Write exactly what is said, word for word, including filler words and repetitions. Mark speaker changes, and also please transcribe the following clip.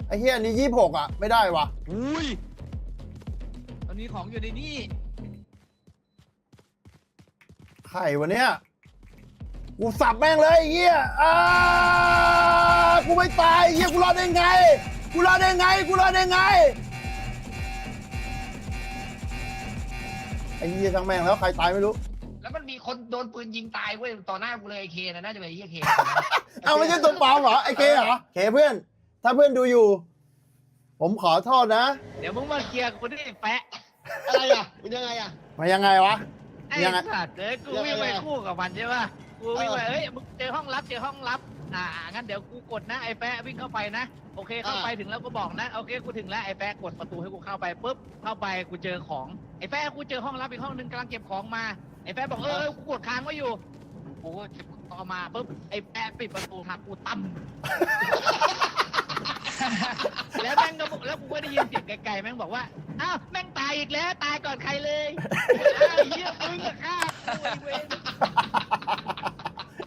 Speaker 1: ไอ้เฮียอันนี้ยี่สิบหกอ่ะไม่ได้วะ
Speaker 2: อุ้ยตอนนี้ของอยู่ในนี่
Speaker 1: ไข่วะเนี้ยกูสับแม่งเลยไอ้เฮียอ้ากูไม่ตายไอ้เฮียกูรอดได้ไงกูรอดได้ไงกูรอดได้ไงไอ้เฮียทั้งแม่งแล้วใครตายไม่รู้
Speaker 3: แล้วมันมีคนโดนปืนยิงตายเว้ยต่อหน้ากูเลยไอ้เคนะน่าจะเป็นไอ้เหี้ยเค
Speaker 1: เอาไม่ใช่ตัวปลอมเหรอไอ้เคเหรอเคเพื่อนถ้าเพื่อนดูอยู่ ผมขอโทษนะ
Speaker 2: เดี๋ยวมึงมาเคลียร์กูที่แปะ
Speaker 3: อะไรอ่ะเป็นยังไงอ่ะ
Speaker 1: มายังไงวะ
Speaker 2: ไอ้
Speaker 1: ยังไง
Speaker 2: สัตว์เอ้ยกูวิ่งไปคู่กับมันใช่ป่ะกูวิ่งไปเอ้ยมึงเจอห้องลับเจอห้องลับอ่างั้นเดี๋ยวกูกดนะไอ้แปะวิ่งเข้าไปนะโอเคเข้าไปถึงแล้วก็บอกนะโอเคกูถึงแล้วไอ้แปะกดประตูให้กูเข้าไปปุ๊บเข้าไปกูเจอของไอ้แปะกูเจอห้องลับอีกห้องนึงกำลังเก็บของมาไอ้แปะบอกเออกูกดค้างไว้อยู่กูก็เก็บต่อมาปุ๊บไอ้แปะปิดประตูทักกูตั้ม แล้วแม่งก็บอกแล้วกูก็ได้ยินเสียงไกลๆแม่งบอกว่าอ้าวแม่งตายอีกแล้วตายก่อนใครเลยอ้าวเหี้ยมึงอะฆ่ากูไอ้เวร